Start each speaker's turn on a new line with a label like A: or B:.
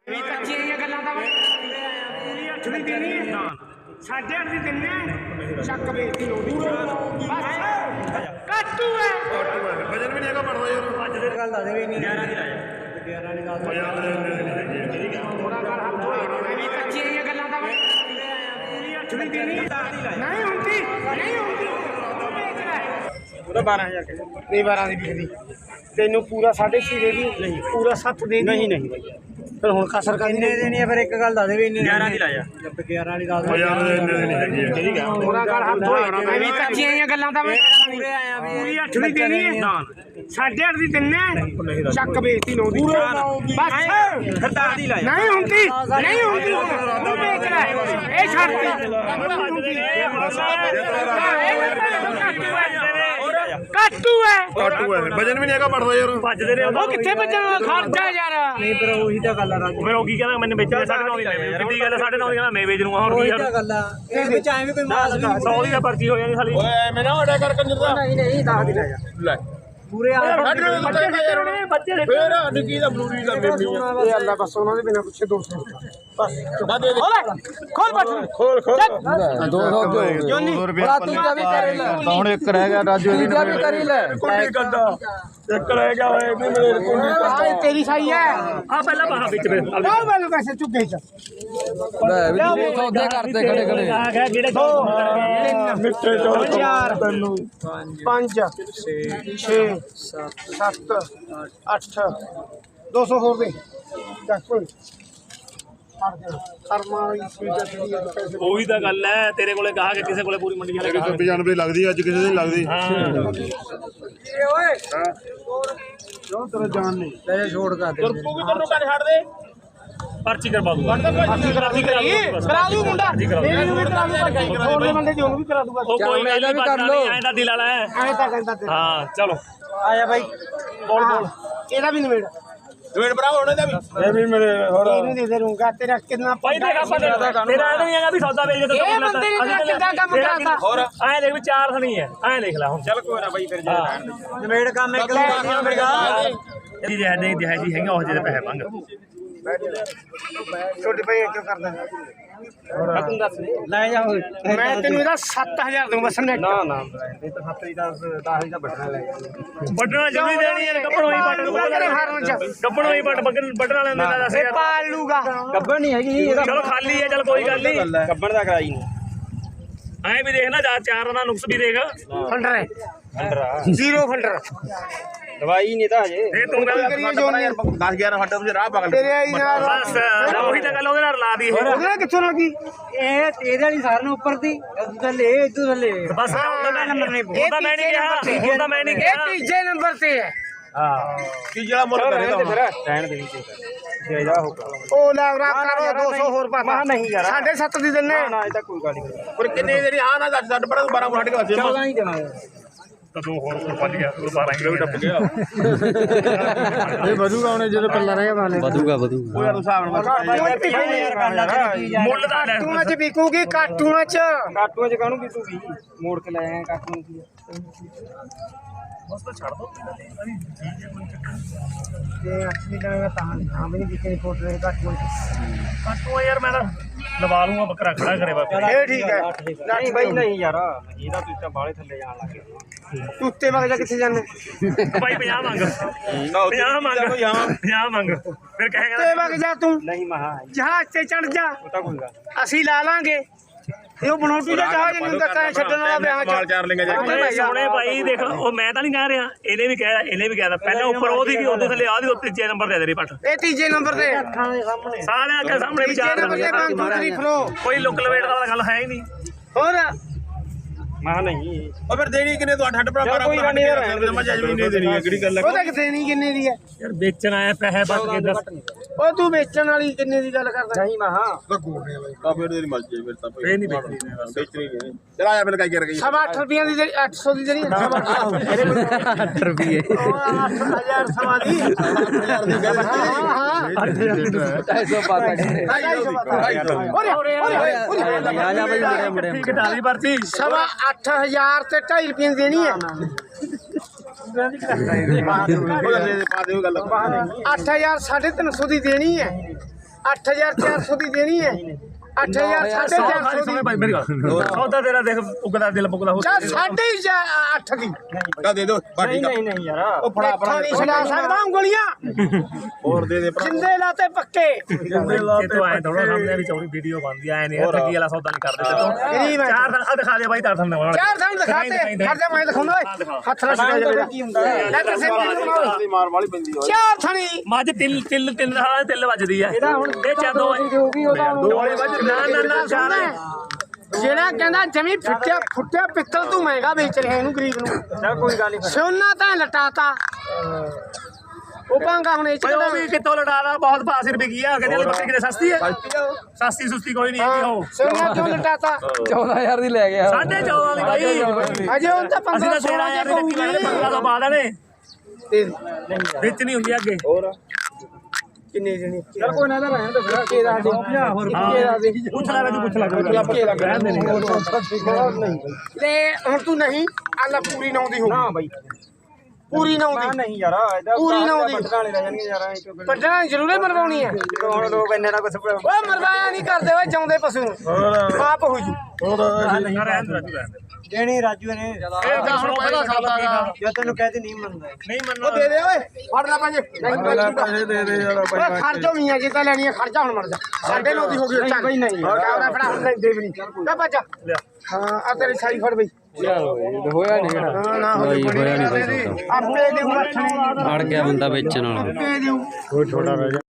A: ਕੱਚੀਆਂ ਗੱਲਾਂ ਦਾ ਪੂਰੀ 8 ਦੀ ਦੇਣੀ ਹੈ 8.5 ਦੀ ਦਿੰਨੇ ਚੱਕ ਵੇਚਦੀ ਲੋੜੀ ਬਸ ਕੱਟੂ ਹੈ
B: ਵਜਨ ਵੀ ਨਹੀਂ ਹੈਗਾ ਪੜਦਾ ਯਾਰ
C: ਅੱਜ ਦੇ ਗੱਲ ਦੱਸ ਦੇ ਵੀ ਨਹੀਂ 11 ਦੀ ਲਾਇਆ 11 ਦੀ ਗੱਲ
A: ਥੋੜਾ ਕਰ ਹੱਥ ਹੋਏ ਐਵੇਂ ਕੱਚੀਆਂ ਗੱਲਾਂ ਦਾ ਪੂਰੀ 8 ਦੀ ਦੇਣੀ ਨਹੀਂ ਹੁੰਦੀ
C: ਉਹਦਾ 12000
A: ਨਹੀਂ 12 ਦੀ ਵਿਕਦੀ ਤੈਨੂੰ ਪੂਰਾ 6.5 ਦੇ ਦੀ ਨਹੀਂ ਪੂਰਾ 7 ਦੇ
C: ਨਹੀਂ ਨਹੀਂ ਬਾਈ
A: ਫਿਰ ਹੁਣ ਕਸਰ ਕਰਨੀ
C: ਕਿੰਨੇ ਦੇਣੀ ਹੈ ਫਿਰ ਇੱਕ ਗੱਲ ਦੱਸ ਦੇ ਵੀ ਇੰਨੇ 11 ਦੀ ਲਾਇਆ 11 ਵਾਲੀ ਦੱਸ ਦੇ
B: ਯਾਰ ਇੰਨੇ ਨਹੀਂ ਹੈਗੀ ਠੀਕ ਹੈ
A: ਥੋੜਾ ਕਰ ਹੱਥ ਹੋਏ ਐਵੇਂ ਕੱਚੀਆਂ ਗੱਲਾਂ ਦਾ ਪੂਰੀ 8 ਦੀ ਦੇਣੀ ਹੈ 8.5 ਦੀ ਦਿੰਨੇ ਚੱਕ ਵੇਚਦੀ 9 ਦੀ ਬਸ
C: ਖਰਦਾਰ ਦੀ ਲਾਇਆ
A: ਨਹੀਂ ਹੁੰਦੀ ਤੂੰ ਵੇਚ ਲੈ ਇਹ ਛੱਡਦੀ ਕੱਟੂ ਹੈ
B: ਵਜਨ ਵੀ ਨਹੀਂ ਹੈਗਾ ਪੜਦਾ ਯਾਰ
C: ਭੱਜਦੇ ਨੇ
A: ਉਹ ਕਿੱਥੇ ਭੱਜਣਾ ਖਰਚਾ ਯਾਰ
C: ਨਹੀਂ ਪਰ ਉਹੀ ਤਾਂ ਗੱਲ ਆ ਰਾਜੂ
D: ਫਿਰ ਉਹ ਕੀ ਕਹਿੰਦਾ ਮੈਨੂੰ ਵੇਚਣਾ 9.5 ਦੀ ਕਿੰਨੀ ਗੱਲ 9.5 ਦੀ ਕਹਿੰਦਾ ਮੈਂ ਵੇਚ ਲੂੰਗਾ ਹੁਣ
C: ਉਹੀ
D: ਕੀ
C: ਤਾਂ ਗੱਲ ਆ ਇਹ ਵਿੱਚ ਐਵੇਂ ਕੋਈ ਮਾਸ ਵੀ
D: 100 ਦੀ ਤਾਂ ਪਰਚੀ ਹੋ ਜਾਂਦੀ ਸਾਲੀ
B: ਓਏ ਮੈਂ ਨਾ ਅੜਾ ਕਰ ਕੰਜਰ ਦਾ
C: ਨਹੀਂ 10 ਦੀ ਲਾਇਆ
B: ਲੈ
C: ਪੂਰੇ ਆ
D: ਬੱਚੇ ਦੇ
B: ਫੇਰ ਨਿੱਕੀ ਦਾ ਬਲੂਰੀ ਦਾ ਬੇਬੀ
A: ਇਹ ਅੱਲਾ ਬਸ ਉਹਨਾਂ ਦੇ ਬਿਨਾ ਪੁੱਛੇ 200
B: ਬਸ ਨਾ ਦੇ ਦੇ
A: ਖੋਲ ਬੱਠ
B: ਖੋਲ
A: 200
C: ਬੜਾ ਤੂੰ ਵੀ ਕਰ ਲੈ
B: ਹੁਣ ਇੱਕ ਰਹਿ ਗਿਆ ਰਾਜੂ
C: ਵੀ ਕਰੀ ਲੈ
B: ਕੁੰਡੀ ਕੱਢਾ ਇੱਕ ਰਹਿ ਗਿਆ ਓਏ ਵੀ ਮੇਰੇ ਕੁੰਡੀ
A: ਆਹ ਤੇਰੀ ਸਹੀ ਹੈ
D: ਆ ਪਹਿਲਾਂ ਬਾਹਾਂ ਵਿੱਚ ਵੇ
A: ਆਹ ਮੈਨੂੰ ਪੈਸੇ ਚੁੱਕੇ ਚ
C: ਲੈ ਵੀ ਸੌਦੇ ਕਰਦੇ ਖੜੇ
D: ਆ ਗਿਆ ਜਿਹੜੇ
B: ਮਿੱਠੇ ਚੋਲ
A: 4
B: ਤੈਨੂੰ
A: 5 6 7 8 200 ਹੋਰ ਦੇ ਚੱਕ ਕੋਈ ਕਰਮਾ ਵਾਲੀ ਚੀਜ਼ ਜਿਹੜੀ ਹੈ ਪੈਸੇ
D: ਉਹੀ ਤਾਂ ਗੱਲ ਹੈ ਤੇਰੇ ਕੋਲੇ ਕਹਾ ਕਿ ਕਿਸੇ ਕੋਲੇ ਪੂਰੀ ਮੰਡੀ ਵਾਲੇ
B: ਕਿਸੇ 95 ਲੱਗਦੀ ਅੱਜ ਕਿਸੇ ਦੀ ਲੱਗਦੀ
C: ਓਏ
B: ਕਿਉਂ ਤੇਰਾ ਜਾਨ ਨਹੀਂ
C: ਲੈ ਛੋੜ ਕਰ ਦੇ
B: ਤੂੰ ਵੀ ਤੈਨੂੰ ਕੰਨ ਛੱਡ ਦੇ
D: ਪਰਚੀ ਕਰਵਾ ਦੂੰਗਾ
A: ਕਰਾ ਦੂ ਮੁੰਡਾ ਇਹਨੂੰ ਵੀ ਕਰਾ ਦੂ ਹੋਰ ਦੇ ਬੰਦੇ ਜੀ ਉਹਨੂੰ ਵੀ ਕਰਾ ਦੂਗਾ
D: ਉਹ ਕੋਈ
C: ਇਹਦਾ ਵੀ ਕਰ ਲਓ।
D: ਐਂ ਦਾ ਦਿਲ ਵਾਲਾ ਹੈ
A: ਐਂ ਤਾਂ ਕਹਿੰਦਾ ਤੇ
D: ਹਾਂ ਚਲੋ
C: ਆਇਆ ਬਾਈ
D: ਬੋਲ
A: ਇਹਦਾ ਵੀ ਨਿਬੇੜ
B: ਵੇਟ ਭਰਾ ਉਹਨੇ ਦਾ ਵੀ ਇਹ ਵੀ ਮੇਰੇ ਹੋਰ
A: ਇਹਨੂੰ ਦੇ ਦੂੰਗਾ ਤੇਰਾ ਕਿੰਨਾ
D: ਭਾਈ ਦੇਖ ਆਪਾਂ ਤੇਰਾ ਇਹ ਨਹੀਂ ਹੈਗਾ ਵੀ ਸੌਦਾ ਵੇਚ ਦੇ
A: ਇਹ ਬੰਦੇ ਨੇ ਕਿੱਦਾਂ ਕੰਮ ਕਰਾਤਾ
D: ਹੋਰ ਐਂ ਦੇਖ ਵੀ 4 ਥਣੀ ਹੈ ਐਂ ਦੇਖ ਲੈ ਹੁਣ
B: ਚੱਲ ਕੋਈ ਨਾ ਬਾਈ ਫਿਰ ਜਾ
C: ਨਵੇੜ ਕੰਮ ਇੱਕ ਲੈ
D: ਇਹਦੀ ਰਹਿ ਨਹੀਂ ਦਿਹਾਈ ਹੈਗਾ ਉਹ ਜਿਹਦੇ ਪੈਸੇ ਮੰਗ
A: ਛੋਟੇ ਭਾਈ ਕਿਉਂ ਕਰਦਾ
C: ਤੂੰ ਦੱਸ ਲੈ ਜਾ ਹੋਏ
A: ਮੈਂ ਤੈਨੂੰ ਇਹਦਾ 7000 ਦੂੰ ਬਸ ਨੈਟ
C: ਨਾ ਇਹ ਤਾਂ 7 ਦੀ 10 ਦਾ ਬਟਨਾ ਲੈ
D: ਵੱਢਣਾ ਜਿੰਨੀ ਦੇਣੀ ਹੈ ਗੱਪਣ ਹੋਈ
A: ਤੇਰੇ ਫਾਰਮ ਚ
D: ਗੱਪਣ ਹੋਈ ਵੱਢਣ ਵਾਲਿਆਂ ਦਾ ਦੱਸ
A: ਇਹ ਪਾਲ ਲੂਗਾ
C: ਗੱਬਣ ਨਹੀਂ ਹੈਗੀ ਇਹਦਾ
D: ਚਲੋ ਖਾਲੀ ਹੈ ਚਲ ਕੋਈ ਗੱਲ ਨਹੀਂ
C: ਗੱਬਣ ਦਾ ਕਰਾਈ ਨਹੀਂ
D: ਐਂ ਵੀ ਦੇਖ ਨਾ ਜਾ 4 ਦਾ ਨੁਕਸ ਵੀ ਦੇਖ
A: ਫੰਡਰ ਹੈ
C: ਅੰਦਰਾ
A: ਜ਼ੀਰੋ ਫੰਡਰ
C: ਦਵਾਈ ਨਹੀਂ ਤਾਂ ਹਜੇ
D: ਇਹ ਤੂੰ ਗੱਲ
A: ਕਰੀਏ ਜੋ
B: 10 11 ਹੱਟੇ ਤੁਸੀਂ ਰਾਹ ਪਕੜ
A: ਤੇਰੇ ਆਈ ਨਾਲ
D: ਬਸ ਉਹੀ ਤਾਂ ਗੱਲ ਉਹਦੇ ਨਾਲ ਲਾ ਦੀ ਇਹ
A: ਉਹਦੇ ਨਾਲ ਕਿੱਥੋਂ ਲੱਗੀ
C: ਇਹ ਇਹਦੇ ਵਾਲੀ ਸਾਰਿਆਂ ਨੂੰ ਉੱਪਰ ਦੀ ਇਦੋਂ ਥੱਲੇ ਇਦੋਂ ਥੱਲੇ
D: ਬਸ ਉਹਦਾ ਨੰਬਰ ਨਹੀਂ ਉਹਦਾ ਮੈਂ ਨਹੀਂ ਕਿਹਾ ਉਹਦਾ ਮੈਂ ਨਹੀਂ
A: ਇਹ
D: ਕਿਹਾ
A: ਤੀਜੇ ਨੰਬਰ ਤੇ ਹੈ
C: ਹਾਂ
B: ਕੀ ਜਿਹੜਾ ਮੁੱਲ ਕਰੇਗਾ ਹੁਣ
C: ਰਹਿਣ ਦੇ ਵਿੱਚ ਜਾਇਦਾ ਹੋਗਾ
A: ਉਹ ਲੈ ਰਾਤ ਕਰੋ 200 ਹੋਰ ਪਾ
C: ਮਾ ਨਹੀਂ ਯਾਰ
A: 7.5 ਦੀ ਦਿੰਨੇ
C: ਨਾ ਇਹ ਤਾਂ ਕੋਈ ਗੱਲ ਨਹੀਂ
B: ਪਰ ਕਿੰਨੇ ਜਿਹੜੀ ਆ ਨਾ ਦੱਸ ਛੱਡ ਪੜਾ 12 ਹੱਟ ਕੇ ਵਾਸੇ
C: 14 ਹੀ ਦੇਵਾਂਗੇ
D: ਤਾਂ 2 ਹੋਰ ਵੱਜ ਗਿਆ 12 ਕਿਲੋ ਵੀ ਟੱਪ ਗਿਆ
B: ਇਹ ਵਧੂਗਾ ਉਹਨੇ ਜਦੋਂ ਪੱਲਾ ਰਹਿ ਗਿਆ ਵਾਲੇ
C: ਵਧੂਗਾ
B: ਉਹ ਯਾਰ ਹਿਸਾਬ ਨਾਲ
D: ਮੁੱਲ ਦਾ ਲੈ
A: ਕਾਟੂਆਂ ਚ ਵਿਕੂਗੀ ਕਾਟੂਆਂ ਚ
C: ਕਾਟੂਆਂ ਚ ਕਾਹਨੂੰ ਤੂੰ ਮੋੜ ਕੇ ਲੈ ਆਇਆ ਕਾਟੂਆਂ ਕੀ
D: ਬਸ ਤਾਂ ਛੱਡ ਦੋ
A: ਤੇ ਅੱਛੀ ਲੱਗਦਾ ਤਾਂ ਹਾਂ ਵੀ ਨਹੀਂ ਵਿਕਣੀ ਫੋਟੋ ਦੇ ਕਾਟੂਆਂ ਚ
D: ਕਾਟੂ ਯਾਰ ਮੈਂ ਤਾਂ ਲਵਾ ਲੂੰਗਾ ਬੱਕਰਾ ਖੜਾ ਕਰੇ ਬਾਬੇ
A: ਇਹ ਠੀਕ ਹੈ
C: ਨਹੀਂ ਬਾਈ ਨਹੀਂ ਯਾਰ ਇਹਦਾ ਤੂੰ ਤਾਂ ਬਾਹਲੇ ਥੱਲੇ ਜਾਣ ਲੱਗ ਗਿਆ
A: ਤੂੰ ਉੱਤੇ ਵਗ ਜਾ ਕਿੱਥੇ ਜਾਣੇ
D: ਭਾਈ 50 ਮੰਗ 50 ਮੰਗ 50 ਮੰਗ ਫਿਰ ਕਹੇਗਾ
A: ਉੱਤੇ ਵਗ ਜਾ ਤੂੰ
C: ਨਹੀਂ ਮਹਾ
A: ਜਹਾਜ਼ ਤੇ ਚੜ ਜਾ
C: ਉਹ ਤਾਂ ਕੋਈ ਗੱਲ
A: ਅਸੀਂ ਲਾ ਲਾਂਗੇ ਇਹ ਉਹ ਬਣੋਟੀ ਦਾ ਜਹਾਜ਼ ਨਹੀਂ ਹੁੰਦਾ ਕਾਹ ਛੱਡਣ ਵਾਲਾ ਵਿਆਹ ਚ
B: ਮਾਲ ਚਾਰ ਲੇਗਾ ਜਾ
D: ਓਏ ਸੋਹਣੇ ਭਾਈ ਦੇਖ ਉਹ ਮੈਂ ਤਾਂ ਨਹੀਂ ਕਹਿ ਰਿਹਾ ਇਹਨੇ ਵੀ ਕਹਿਦਾ ਪਹਿਲਾਂ ਉੱਪਰ ਉਹਦੀ ਵੀ ਉਦੋਂ ਥੱਲੇ ਆਦੀ ਉੱਤੇ ਤੀਜੇ ਨੰਬਰ ਦੇ ਦੇ ਪੱਟ
A: ਇਹ ਤੀਜੇ ਨੰਬਰ ਤੇ
C: ਅੱਖਾਂ ਦੇ ਸਾਹਮਣੇ
D: ਸਾਰਿਆਂ ਅੱਗੇ ਸਾਹਮਣੇ
A: ਤੀਜੇ
D: ਵਿਚਾਰ
A: ਨੰਬਰ ਤੇ 1 2 3 ਫਲੋ
D: ਕੋਈ ਲੁੱਕ ਲਵੇਟ ਵਾਲਾ ਗੱਲ ਹੈ ਹੀ ਨਹੀਂ
A: ਹੋਰ
C: ਮਹਾ ਨਹੀਂ
B: ਉਹ ਫਿਰ ਦੇਣੀ ਕਿੰਨੇ ਤੂੰ ਹੱਟ ਪੜਾ
C: ਕੋਈ ਗੱਲ ਨਹੀਂ ਯਾਰ
B: ਮੈਂ ਜਜ ਵੀ ਨਹੀਂ ਦੇਣੀ ਹੈ ਕਿਹੜੀ ਗੱਲ ਹੈ
A: ਉਹਦਾ ਕਿਥੇ ਨਹੀਂ ਕਿੰਨੇ ਦੀ ਹੈ
D: ਯਾਰ ਵੇਚਣ ਆਇਆ ਪੈਸੇ ਬਚ ਕੇ ਦੱਸ
A: ਉਹ ਤੂੰ ਵੇਚਣ ਵਾਲੀ ਕਿੰਨੇ ਦੀ ਗੱਲ ਕਰਦਾ
C: ਨਹੀਂ ਮਹਾ
B: ਤਾਂ ਫਿਰ ਤੇਰੀ ਮਰਜ਼ੀ ਫਿਰ ਤਾਂ
D: ਇਹ ਨਹੀਂ ਵੇਚਣੀ
B: ਵੇਚਣੀ ਨਹੀਂ ਚਲ ਆਇਆ ਫਿਰ ਕਾਈ ਕਰ ਗਈ
A: 8 ਰੁਪਈਆਂ ਦੀ 800 ਦੀ ਜਿਹੜੀ
C: 8 ਰੁਪਏ
A: 8000 ਸਵਾ ਦੀ ਹਾਂ
C: 250 ਪਾ ਕੇ
A: ਓਰੇ
C: ਆ ਜਾ ਬਈ ਮੁੰਡੇ
D: ਠੀਕ ਢਾਲੀ ਪਰਚੀ
A: ਸਵਾ 8000 ਤੇ 2.5 ਰੁਪਏ ਦੀ ਦੇਣੀ ਹੈ
B: ਪਾ ਦਿਓ ਗੱਲ
A: 8000 350 ਦੀ ਦੇਣੀ ਹੈ 8400 ਦੀ ਦੇਣੀ ਹੈ 8000 450 ਦੀ
D: ਭਾਈ ਮੇਰੀ ਗੱਲ ਸੌਦਾ ਤੇਰਾ ਦੇਖ ਉਗਦਾ ਦਿਲ ਪੁਗਦਾ ਹੋ
A: ਚੱਲ 8.5 ਦੀ
C: ਦੇ ਦੋ ਨਹੀਂ ਯਾਰ ਉਹ ਫੜਾ
A: ਇੱਥੋਂ ਨਹੀਂ ਛਡਾ ਸਕਦਾ ਉਂਗਲੀਆਂ
C: ਹੋਰ ਦੇ
A: ਜਿੰਦੇ ਲਾਤੇ ਪੱਕੇ
D: ਇਹ ਤੋਂ ਆਏ ਥੋੜਾ ਸਾਹਮਣੇ ਵੀ ਚੌੜੀ ਵੀਡੀਓ ਬਣਦੀ ਆਏ ਨੇ ਠੱਗੀ ਵਾਲਾ ਸੌਦਾ ਨਹੀਂ ਕਰਦੇ ਤੇ
A: ਗਰੀਬ ਹੈ
D: ਚਾਰ ਦਿਨ ਆ ਦਿਖਾ ਦੇ ਬਾਈ ਚਾਰ ਦਿਨ ਵਾਲਾ
A: ਚਾਰ ਥਾਂ ਦਿਖਾਤੇ ਖਰਚਾ ਮੈਂ ਦਿਖਾਉਂਦਾ ਓਏ ਹੱਥ ਨਾਲ ਛਡਾ ਜਾਵੇ
C: ਕੀ ਹੁੰਦਾ
A: ਲੈ ਤੇ ਸਿੰਪਲ
C: ਦੀ ਮਾਰ ਵਾਲੀ ਪੈਂਦੀ ਓਏ
A: ਚਾਰ ਥਣੀ
D: ਮੱਝ ਤਿੰਨ ਦਾ ਤਿੰਨ ਵੱਜਦੀ ਆ ਇਹ ਚਾਦੋ
A: ਦੋਲੇ ਵੱਜ ਨਾ ਚਾਰ ਜਿਹੜਾ ਕਹਿੰਦਾ ਜਮੀ ਫੁੱਟਿਆ ਪਿੱਤਲ ਤੂੰ ਮਹਿੰਗਾ ਵੇਚ ਰਿਹਾ ਇਹਨੂੰ ਗਰੀਬ ਨੂੰ
C: ਚੱਲ ਕੋਈ ਗੱਲ ਨਹੀਂ
A: ਸੋਨਾ ਤਾਂ ਲਟਾਤਾ ਉਹ ਪਾਂਗਾ ਹੁਣ ਇਹ ਚ
D: ਉਹ ਵੀ ਕਿੱਥੋਂ ਲੜਾਦਾ ਬਹੁਤ ਪਾਸ ਰੁਪਏ ਕੀ ਆ ਕਹਿੰਦੇ ਬੱਕਰੀ ਕਿਤੇ ਸਸਤੀ ਹੈ ਸਸਤੀ ਸੁਸਤੀ ਕੋਈ ਨਹੀਂ ਹੈਗੀ ਉਹ
A: ਸੋਨਾ ਕਿਉਂ ਲਟਾਤਾ
B: 14000 ਦੀ ਲੈ ਗਿਆ
D: 14.5 ਵਾਲੀ ਬਾਈ
A: ਅਜੇ ਹੁਣ ਤਾਂ
D: ਅਸੀਂ
A: 15
D: ਤਾਂ 16000 ਦੀ ਰੱਖੀ ਵਾਲੇ 15 ਤੋਂ ਬਾਅਦ ਨੇ ਵਿੱਚ ਨਹੀਂ ਹੁੰਦੀ ਅੱਗੇ
C: ਹੋਰ
A: ਕਿੰਨੇ ਜਣੇ
C: ਚੱਲ ਕੋਈ ਨਾ ਰਹਿਣ ਦੇ ਫਿਰ ਕੇ ਦਾ ਦੇ ਹੋਰ
D: ਪੁੱਛ ਲੈ ਤੂੰ ਪੁੱਛ ਲੈ ਰਹਿਣ ਦੇ ਨਹੀਂ
A: ਤੇ ਹੁਣ ਤੂੰ ਨਹੀਂ ਆਲਾ ਪੂਰੀ ਨਾਉਂਦੀ ਹੋ
C: ਨਾ ਬਾਈ
A: ਪੂਰੀ ਨਾਉਂਦੀ
C: ਨਹੀਂ ਯਾਰ ਇਹਦਾ
A: ਪੂਰੀ ਨਾ ਆਉਂਦੀ।
C: ਪੱਟਾਂ ਵਾਲੇ ਰਹਿ ਜਾਣਗੇ ਯਾਰ ਐਂ ਕਿਉਂ ਕਰਦੇ?
A: ਪੱਟਣਾ ਜ਼ਰੂਰੇ ਮਰਵਾਉਣੀ ਹੈ
C: ਹੁਣ ਲੋਕ ਇੰਨੇ ਨਾ ਕੁਛ
A: ਓਏ ਮਰਵਾਇਆ ਨਹੀਂ ਕਰਦੇ ਓਏ ਜਾਉਂਦੇ ਪਸ਼ੂ ਨੂੰ ਆਪ ਹੋ ਜੂ
D: ਰਹਿਣ ਦੇ
C: ਦੇਣੀ ਰਾਜੂ ਨੇ
D: ਇਹ ਤਾਂ ਹੁਣ ਪਹਿਲਾਂ ਸੌਦਾ ਗਾ
C: ਜੇ ਤੈਨੂੰ ਕਹਤੇ ਨਹੀਂ ਮੰਨਦਾ
D: ਨਹੀਂ
A: ਉਹ
D: ਮੰਨਣਾ
A: ਦੇ ਦੇ ਓਏ ਫੜ ਲੈ ਪੰਜ
C: ਪੈਸੇ ਦੇ ਦੇ ਯਾਰ
A: ਓਏ ਖਰਚੋ ਮੀਆਂ ਜੇ ਤਾਂ ਲੈਣੀ ਹੈ ਖਰਚਾ ਹੁਣ ਮਰ ਜਾ 9:30 ਦੀ ਹੋ ਗਈ ਚੱਲ
C: ਬਈ ਨਹੀਂ
A: ਕੈਮਰਾ ਫੜਾ ਹੁਣ ਦੇ ਵੀ ਨਹੀਂ ਲੈ ਭੱਜ
D: ਲਿਆ
A: ਹਾਂ ਆ ਤੇਰੀ ਸਾਈ ਫੜ ਬਈ
B: ਹੋਇਆ ਨਹੀਂ
A: ਹਾਂ ਨਾ ਹੋਵੇ
B: ਹੋਇਆ ਨਹੀਂ
A: ਆਪੇ ਦੇ ਹੁਣ
B: ਅੜ ਗਿਆ ਬੰਦਾ ਵੇਚਣ ਵਾਲਾ
A: ਆਪੇ ਦੇਉ
B: ਕੋਈ ਛੋਟਾ ਰਹਿ